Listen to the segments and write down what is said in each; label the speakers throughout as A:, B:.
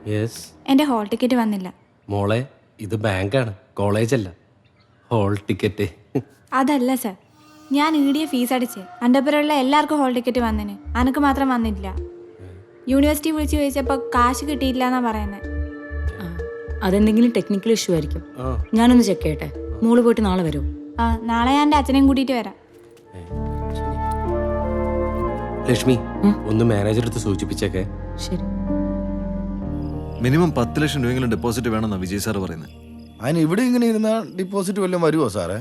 A: Yes.
B: എൻ്റെ hall ticket വന്നില്ല.
A: മോളെ, ഇത് ബാങ്കാണ്, കോളേജല്ല. Hall ticket.
B: അതല്ല സർ, ഞാൻ ഈടിയ ഫീസ് അടിച്ച് അൻ്റെപ്പുറമുള്ള എല്ലാവർക്കും ഹോൾ ടിക്കറ്റ് വന്നിന്, അനക്ക് മാത്രം വന്നില്ല. യൂണിവേഴ്സിറ്റി വിളിച്ച് ചോദിച്ചപ്പോൾ കാശ് കിട്ടിയില്ല എന്നാ പറയുന്നത്.
C: അതെന്തെങ്കിലും ടെക്നിക്കൽ ഇഷ്യൂ ആയിരിക്കും. ഞാനൊന്ന് ചെക്ക് ചെയ്യട്ടെ. മോള് പോയിട്ട് നാളെ വരൂ.
B: ആ, നാളെ ഞാൻ എൻ്റെ അച്ഛനെയും കൂട്ടിയിട്ട് വരാം.
A: ലക്ഷ്മി, ഒന്ന് മാനേജർ അടുത്ത് സൂചിപ്പിച്ചേക്കെ.
C: ശരി.
D: മിനിമം 10 ലക്ഷം രൂപയെങ്കിലും ഡെപ്പോസിറ്റ് വേണമെന്നാണ് വിജയ് സാർ പറയുന്നത്.
E: അതിന് ഇവിടെ ഇങ്ങനെ ഇരുന്നാൽ ഡിപ്പോസിറ്റ് വല്ലതും വരുമോ സാറേ?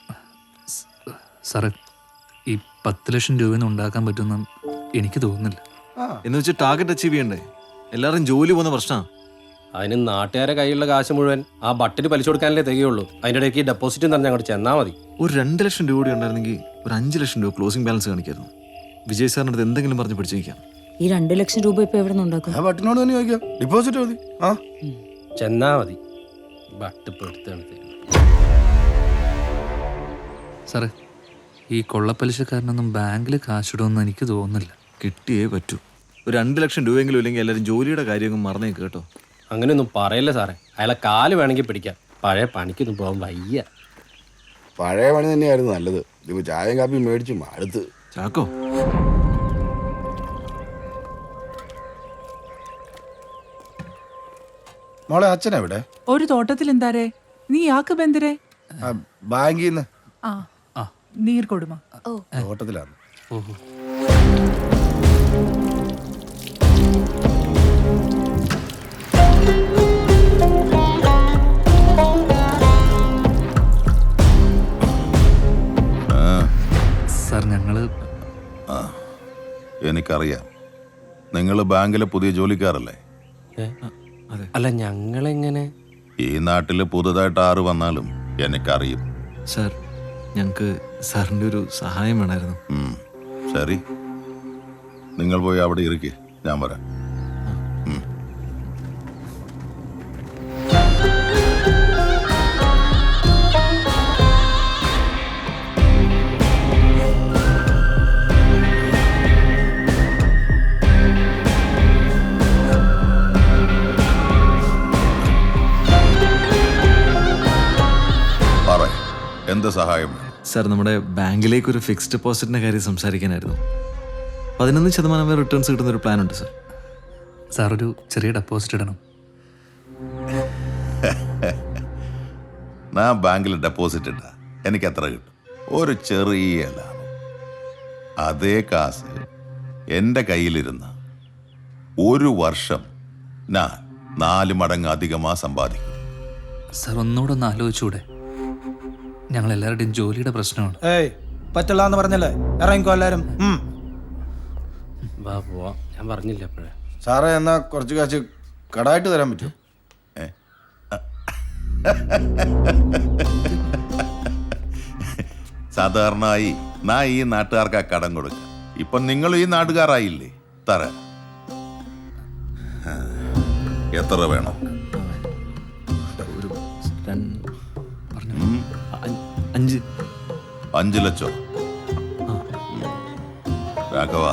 F: സാറേ, ഈ 10 ലക്ഷം രൂപയൊന്നും ഉണ്ടാക്കാൻ പറ്റുമെന്ന് എനിക്ക് തോന്നുന്നില്ല.
D: എന്ന് വെച്ചാൽ ടാർഗറ്റ് അച്ചീവ് ചെയ്യണ്ടേ? എല്ലാവരും ജോലി പോകുന്ന പ്രശ്നമാണ്.
A: അതിന് നാട്ടുകാരെ കയ്യിലുള്ള കാശ് മുഴുവൻ ആ ബട്ടിന് പലിശ കൊടുക്കാനല്ലേ തികയുള്ളൂ. അതിൻ്റെ ഇടയ്ക്ക് ഡെപ്പോസിറ്റും തന്നെ അങ്ങോട്ട് ചെന്നാൽ മതി.
D: ഒരു 2 ലക്ഷം രൂപ കൂടി ഉണ്ടായിരുന്നെങ്കിൽ ഒരു 5 ലക്ഷം രൂപ ക്ലോസിംഗ് ബാലൻസ് കാണിക്കായിരുന്നു. വിജയ് സാറിൻ്റെ അടുത്ത് എന്തെങ്കിലും പറഞ്ഞ് പിടിച്ചിരിക്കാം.
C: ഈ 2 ലക്ഷം രൂപ ഇപ്പൊ എവിടെ നിന്ന് ഉണ്ടാക്കും?
E: ആ ബട്ടിനോട് തന്നെ ചോദിക്കാം, ഡിപ്പോസിറ്റ് മതി. ആ
A: ചെന്നാ മതി. ബട്ട് ഇപ്പോൾ എടുത്താണ് തരുന്നത്.
F: സാറേ, ഈ കൊള്ളപ്പലിശക്കാരനൊന്നും ബാങ്കിൽ കാശിടുമെന്ന് എനിക്ക് തോന്നുന്നില്ല.
D: കിട്ടിയേ പറ്റൂ. ഒരു 2 ലക്ഷം രൂപയെങ്കിലും ഇല്ലെങ്കിൽ എല്ലാവരും ജോലിയുടെ കാര്യമൊക്കെ മറന്നേക്ക് കേട്ടോ.
A: അങ്ങനെയൊന്നും പറയല്ലേ സാറേ. അയാളെ കാല് വേണമെങ്കിൽ പിടിക്കാം. പഴയ പണിക്കൊന്നും പോകാൻ വയ്യ.
E: പഴയ പണി തന്നെയായിരുന്നു നല്ലത്. ഇപ്പോൾ ചായയും കാപ്പിയും മേടിച്ചു അടുത്ത്.
D: ചാക്കോ,
E: മോളെ അച്ഛനെവിടെ?
G: ഒരു തോട്ടത്തിൽ എന്താരേ? നീ യാക്ക് ബന്ദരേ?
E: ബാങ്കിൽ നിന്ന്.
G: ആ നീർ കൊടുമ.
E: തോട്ടത്തിലാണ്.
F: ഓഹോ. സാർ, ഞങ്ങള്
H: എനിക്കറിയാം, നിങ്ങൾ ബാങ്കിലെ പുതിയ ജോലിക്കാരല്ലേ?
A: അല്ല, ഞങ്ങളെങ്ങനെ?
H: ഈ നാട്ടിൽ പുതുതായിട്ട് ആറ് വന്നാലും എനിക്കറിയും.
D: സാർ, ഞങ്ങൾക്ക് സാറിൻ്റെ ഒരു സഹായം വേണമായിരുന്നു.
H: ശരി, നിങ്ങൾ പോയി അവിടെ ഇരിക്കേ, ഞാൻ വരാം. എന്ത് സഹായം?
D: സാർ, നമ്മുടെ ബാങ്കിലേക്ക് ഒരു ഫിക്സ്ഡ് ഡെപ്പോസിറ്റിൻ്റെ കാര്യം സംസാരിക്കാനായിരുന്നു. 11% വരെ റിട്ടേൺസ് കിട്ടുന്ന ഒരു പ്ലാൻ ഉണ്ട് സാർ.
F: സാർ, ഒരു ചെറിയ ഡെപ്പോസിറ്റ് ഇടണം.
H: ഞാൻ ബാങ്കിൽ ഡെപ്പോസിറ്റ് ഇട്ട എനിക്ക് എത്ര കിട്ടും? ഒരു ചെറിയ ലാഭം. അതേ കാശ് എൻ്റെ കയ്യിലിരുന്ന ഒരു വർഷം ഞാൻ 4 മടങ്ങ് അധികமாக സമ്പാദിക്കും.
F: സാർ, ഒന്നുകൂടെ ഒന്ന് ആലോചിച്ചൂടെ? ഞങ്ങൾ എല്ലാവരുടെയും ജോലിയുടെ പ്രശ്നമാണ്.
I: പറ്റില്ല എന്ന് പറഞ്ഞല്ലേ, ഇറങ്ങിക്കോ എല്ലാരും.
A: വാ പോവാ, ഞാൻ പറഞ്ഞില്ല അപ്പോഴേ.
E: സാറേ, എന്നാ കുറച്ച് കാശ് കടായിട്ട് തരാൻ പറ്റുമോ?
H: സാധാരണയായി ഞാൻ ഈ നാട്ടുകാർക്ക് കടം കൊടുക്കാം. ഇപ്പൊ നിങ്ങൾ ഈ നാട്ടുകാരായില്ലേ, തരാം. എത്ര വേണം?
D: ഒരു 5
H: ലക്ഷം. രാഘവ,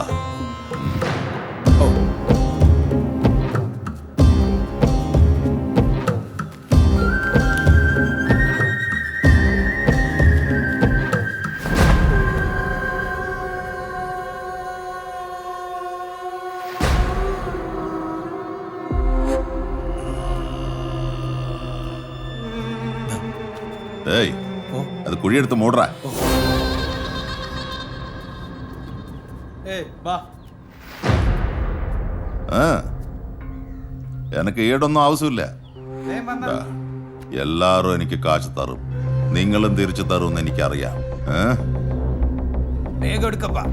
H: ഏയ്, അത് കുഴിയെടുത്ത് മൂടറാ. എനിക്ക് ഈടൊന്നും ആവശ്യമില്ല. എല്ലാരും എനിക്ക് കാശ് തരും, നിങ്ങളും തിരിച്ചു തരും എനിക്കറിയാം.
I: വേഗം എടുക്കപ്പാ.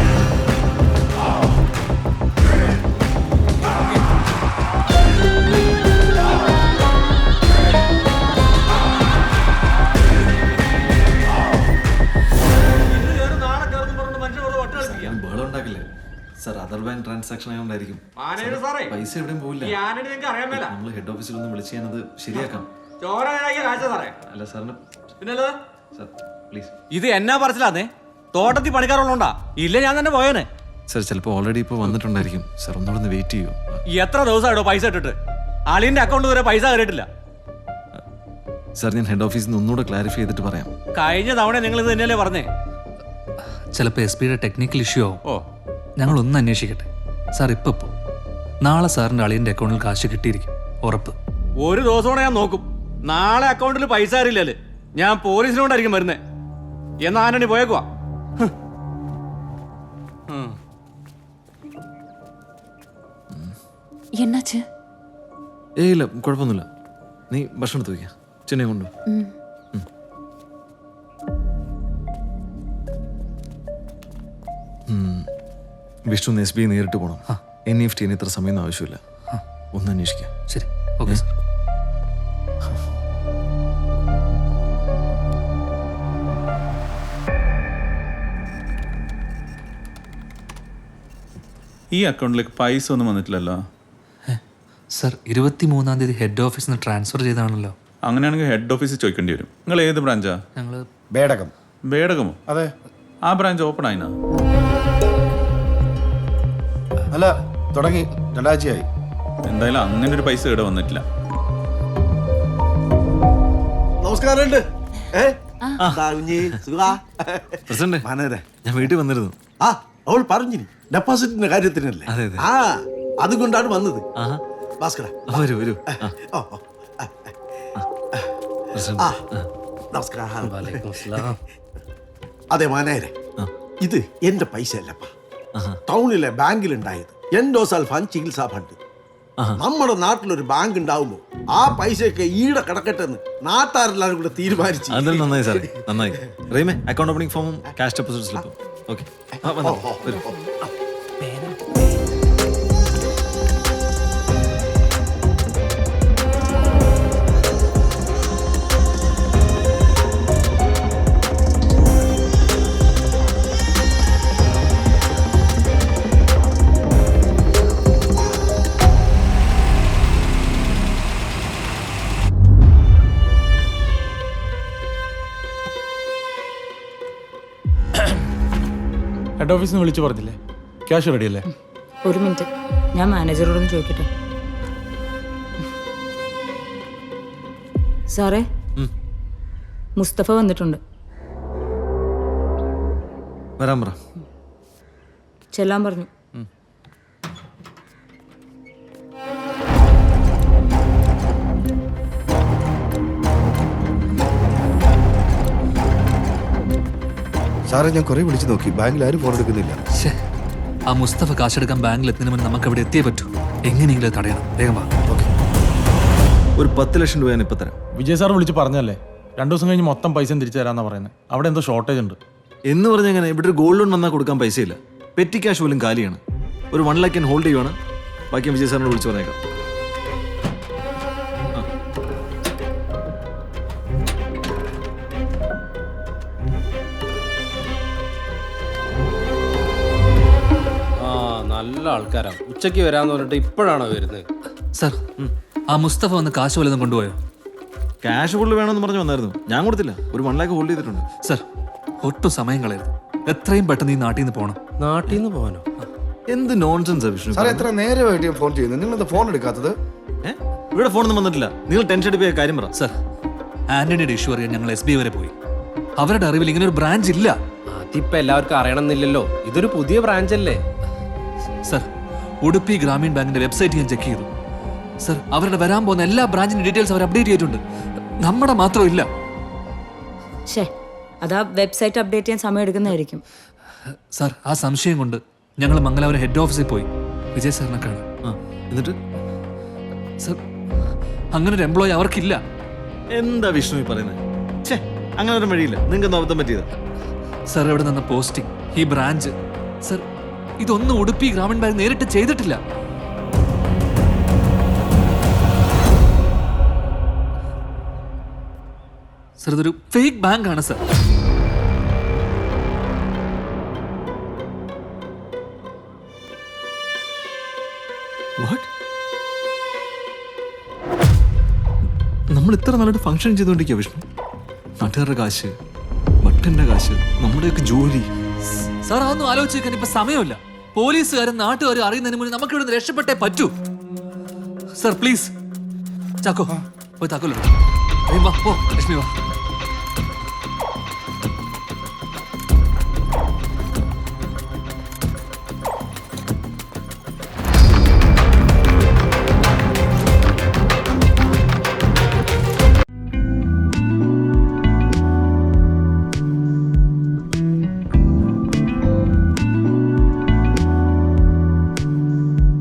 D: ബഹളം ഉണ്ടാക്കില്ലേ സാർ? അതർ ബാങ്ക് ട്രാൻസാക്ഷൻ ആയതുകൊണ്ടായിരിക്കും. പൈസ എവിടെയും പോവില്ല. നമ്മൾ ഹെഡ് ഓഫീസിൽ ഒന്ന് വിളിച്ച് ഞാനത് ശരിയാക്കാം. അല്ല സാറിന് സാർ പ്ലീസ്.
I: ഇത് എന്നാ പറച്ചിലാന്നേ? തോട്ടത്തിൽ പണിക്കാറുള്ളോണ്ടാ? ഇല്ല, ഞാൻ തന്നെ പോയേനെ.
D: സാർ, ചിലപ്പോൾ ഓൾറെഡി ഇപ്പോൾ വന്നിട്ടുണ്ടായിരിക്കും. സാർ ഒന്നുകൂടെ ഒന്ന് വെയിറ്റ് ചെയ്യൂ.
I: എത്ര ദിവസമായിട്ടോ പൈസ ഇട്ടിട്ട്? അളിയന്റെ അക്കൗണ്ട് വരെ പൈസ കയറിയിട്ടില്ല.
D: സാർ ഞാൻ ഹെഡ് ഓഫീസിൽ നിന്ന് ഒന്നുകൂടെ ക്ലാരിഫൈ ചെയ്തിട്ട് പറയാം.
I: കഴിഞ്ഞ തവണ നിങ്ങൾ ഇത് തന്നെയല്ലേ പറഞ്ഞേ?
F: ചിലപ്പോൾ എസ് പിയുടെ ടെക്നിക്കൽ ഇഷ്യൂ ആവും.
I: ഓ,
F: ഞങ്ങളൊന്ന് അന്വേഷിക്കട്ടെ. സാർ ഇപ്പോൾ നാളെ സാറിൻ്റെ അളിയൻ്റെ അക്കൗണ്ടിൽ കാശ് കിട്ടിയിരിക്കും, ഉറപ്പ്.
I: ഒരു ദിവസം കൂടെ ഞാൻ നോക്കും. നാളെ അക്കൗണ്ടിൽ പൈസ അറിയില്ലല്ലേ, ഞാൻ പോലീസിനോണ്ടായിരിക്കും വരുന്നേ. എന്നാ ആന്റണി പോയേക്കുവാ.
C: എന്നാച്ച്?
D: ഏയ് ഇല്ല, കുഴപ്പമൊന്നുമില്ല. നീ ഭക്ഷണം എടുത്ത് വയ്ക്കുക, ചെന്നൈ കൊണ്ടു. വിഷ്ണു എസ് ബി നേരിട്ട് പോകണം. NEFT ഇത്ര സമയമൊന്നും ആവശ്യമില്ല. ഒന്ന് അന്വേഷിക്കാം.
F: ശരി, ഓക്കെ സാർ.
J: ഈ അക്കൗണ്ടിലേക്ക് പൈസ ഒന്നും വന്നിട്ടില്ലല്ലോ.
F: സാർ 23-ാം തീയതി ഹെഡ് ഓഫീസിൽ നിന്ന് ട്രാൻസ്ഫർ ചെയ്താണല്ലോ.
J: അങ്ങനെയാണെങ്കിൽ ഹെഡ് ഓഫീസിൽ ചോദിക്കേണ്ടി വരും. നിങ്ങൾ ഏത് ബ്രാഞ്ചാ?
F: ഞങ്ങൾ
E: ബേടകം.
J: ബേടകമോ?
E: അതെ.
J: ആ ബ്രാഞ്ച് ഓപ്പൺ ആയിനാ?
E: അല്ല, തുടങ്ങി 2 ആഴ്ചയായി.
J: എന്തായാലും അങ്ങനെ ഒരു പൈസ ഇവിടെ വന്നിട്ടില്ല.
K: നമസ്കാരമുണ്ട്.
D: പ്രസിഡന്റ്, ഞാൻ വീട്ടിൽ വന്നിരുന്നു.
K: ആ, അവൾ പറഞ്ഞു ഡെപ്പോസിറ്റിന്റെ കാര്യത്തിനല്ലേ?
D: അതെ, അതെ.
K: ആ, അതുകൊണ്ടാണ് വന്നത്. ഭാസ്കര,
D: വരൂ വരൂ.
K: ഓ, ഓ, ആ, നമസ്കാരം.
F: വലൈക്കും അസ്സലാം.
K: അതെ മാനേരെ, ഇത് എന്റെ പൈസ അല്ലപ്പാ. ടൗണിലെ ബാങ്കിലുണ്ടായത് എൻഡോസൾഫാൻ ചികിത്സാ ഫണ്ട്. നമ്മുടെ നാട്ടിലൊരു ബാങ്ക് ഉണ്ടാവുമ്പോ ആ പൈസയൊക്കെ ഈടെ കിടക്കട്ടെ എന്ന് നാട്ടാരെല്ലാരും കൂടെ തീരുമാനിച്ചു.
D: അതെല്ലാം നന്നായി സാറേ, നന്നായി. റീമേ, അക്കൗണ്ട് ഓപ്പണിംഗ് ഫോമും ക്യാഷ് ഡെപ്പോസിറ്റ് സ്ലിപ്പും. ഓക്കെ.
L: ഹെഡ് ഓഫീസിൽ നിന്ന് വിളിച്ചു പറഞ്ഞില്ലേ ക്യാഷ് റെഡി അല്ലേ?
C: ഒരു മിനിറ്റ്, ഞാൻ മാനേജറോടൊന്ന് ചോദിക്കട്ടെ. സാറേ, മുസ്തഫ വന്നിട്ടുണ്ട്.
D: വരാൻ പറ.
C: ചെല്ലാൻ പറഞ്ഞു.
E: സാറേ, ഞാൻ കുറെ വിളിച്ചു നോക്കി, ബാങ്കിൽ ആരും ഫോൺ എടുക്കുന്നില്ല.
F: ശ്ശേ, ആ മുസ്തഫ കാശെടുക്കാൻ ബാങ്കിൽ എത്തുന്നതിന് മുന്നേ നമുക്ക് അവിടെ എത്തിയേ പറ്റൂ. എങ്ങനെയെങ്കിലും അത് തടയണം. വേഗം വാ.
D: ഒരു 10 ലക്ഷം രൂപ ഞാൻ ഇപ്പൊ തരാം.
L: വിജയ് സാർ വിളിച്ച് പറഞ്ഞല്ലേ 2 ദിവസം കഴിഞ്ഞ് മൊത്തം പൈസ തിരിച്ചു തരാന്നാ പറയുന്നത്. അവിടെ എന്തോ ഷോർട്ടേജ് ഉണ്ട്
D: എന്ന് പറഞ്ഞാൽ എങ്ങനെ? ഇവിടെ ഒരു ഗോൾഡ് ലോൺ വന്നാൽ കൊടുക്കാൻ പൈസയില്ല. പെറ്റി ക്യാഷ് പോലും കാലിയാണ്. ഒരു 1 ലക്ഷം ഹോൾഡ് ചെയ്യുവാണ്. ബാക്കി വിജയ് സാറിനോട് വിളിച്ചു പറഞ്ഞേക്കാം.
A: നല്ല ആൾക്കാരാ. ഉച്ചയ്ക്ക് വരാന്ന് പറഞ്ഞിട്ട് ഇപ്പോഴാണോ വരുന്നത്?
F: സാർ, ആ മുസ്തഫ വന്ന് കാശ് വല്ലതും കൊണ്ടുപോയോ?
D: ക്യാഷ് ഫുള്ള് വേണമെന്ന് പറഞ്ഞു വന്നായിരുന്നു. ഞാൻ കൊടുത്തില്ല. ഒരു 1 ലക്ഷം ഹോൾഡ് ചെയ്തിട്ടുണ്ട്.
F: സാർ, ഒട്ടും സമയം കളയരുത്. എത്രയും പെട്ടെന്ന് ഈ നാട്ടിൽ നിന്ന് പോകണം.
A: നാട്ടിൽ നിന്ന് പോകാനോ?
D: എന്ത് നോൺസെൻസ് വിഷ്ണു.
E: സാറേ, എത്ര നേരമായിട്ട് ഫോൺ ചെയ്യുന്നത്? നിങ്ങൾ എന്താ ഫോൺ എടുക്കാത്തത്?
D: ഇവിടെ ഫോണൊന്നും വന്നിട്ടില്ല. നിങ്ങൾ ടെൻഷൻ അടിപ്പിയ കാര്യം പറ.
F: സാർ, ആന്റണിയുടെ ഇഷ്യൂ അറിയാൻ ഞങ്ങൾ SB വരെ പോയി. അവരുടെ അറിവിൽ ഇങ്ങനെ ഒരു ബ്രാഞ്ച് ഇല്ല.
A: അതിപ്പോ എല്ലാവർക്കും അറിയണമെന്നില്ലല്ലോ. ഇതൊരു പുതിയ ബ്രാഞ്ച് അല്ലേ?
F: സർ, ഉടുപ്പി ഗ്രാമീൺ ബാങ്കിന്റെ വെബ്സൈറ്റ് ഞാൻ ചെക്ക് ചെയ്തു. സർ, അവരുടെ വരാൻ പോകുന്ന എല്ലാ ബ്രാഞ്ചിന്റെ ഡീറ്റെയിൽസ് അവർ അപ്ഡേറ്റ് ചെയ്തിട്ടുണ്ട്. നമ്മുടെ മാത്രം ഇല്ല.
C: ശേ, അതാ വെബ്സൈറ്റ് അപ്ഡേറ്റ് ചെയ്യാൻ സമയം എടുക്കുന്നതായിരിക്കും.
F: സാർ, ആ സംശയം കൊണ്ട് ഞങ്ങൾ മംഗലാപുരം ഹെഡ് ഓഫീസിൽ പോയി വിജയ് സാറിനെ കാണാൻ.
D: എന്നിട്ട്
F: സർ, അങ്ങനെ ഒരു എംപ്ലോയി അവർക്കില്ല.
D: എന്താ വിഷ്ണു പറയുന്നത്? അങ്ങനെ ഒരു വഴിയില്ല. നിങ്ങൾക്ക് എന്താ അബദ്ധം പറ്റിയതാ?
F: സർ, ഇവിടെ നിന്ന് പോസ്റ്റിംഗ്, ഈ ബ്രാഞ്ച്, സർ, ഇതൊന്നും ഉടുപ്പി ഗ്രാമീൺ ബാങ്ക് നേരിട്ട് ചെയ്തിട്ടില്ല. സർ, ഇതൊരു ഫേക്ക് ബാങ്ക് ആണ് സർ.
D: നമ്മൾ ഇത്ര നല്ലൊരു ഫംഗ്ഷൻ ചെയ്തുകൊണ്ടിരിക്കുക വിഷ്ണു. നാട്ടുകാരുടെ കാശ്, ബട്ടന്റെ കാശ്, നമ്മുടെയൊക്കെ ജോലി.
F: സാർ, അതൊന്നും ആലോചിച്ച് വെക്കാൻ ഇപ്പൊ സമയമില്ല. പോലീസുകാരും നാട്ടുകാരും അറിയുന്നതിന് മുന്നേ നമുക്ക് ഇവിടെ രക്ഷപ്പെട്ടേ പറ്റൂ. സർ, പ്ലീസ് ചാക്കോ പോയി താക്കോലോ വാ പോ ലക്ഷ്മി വാ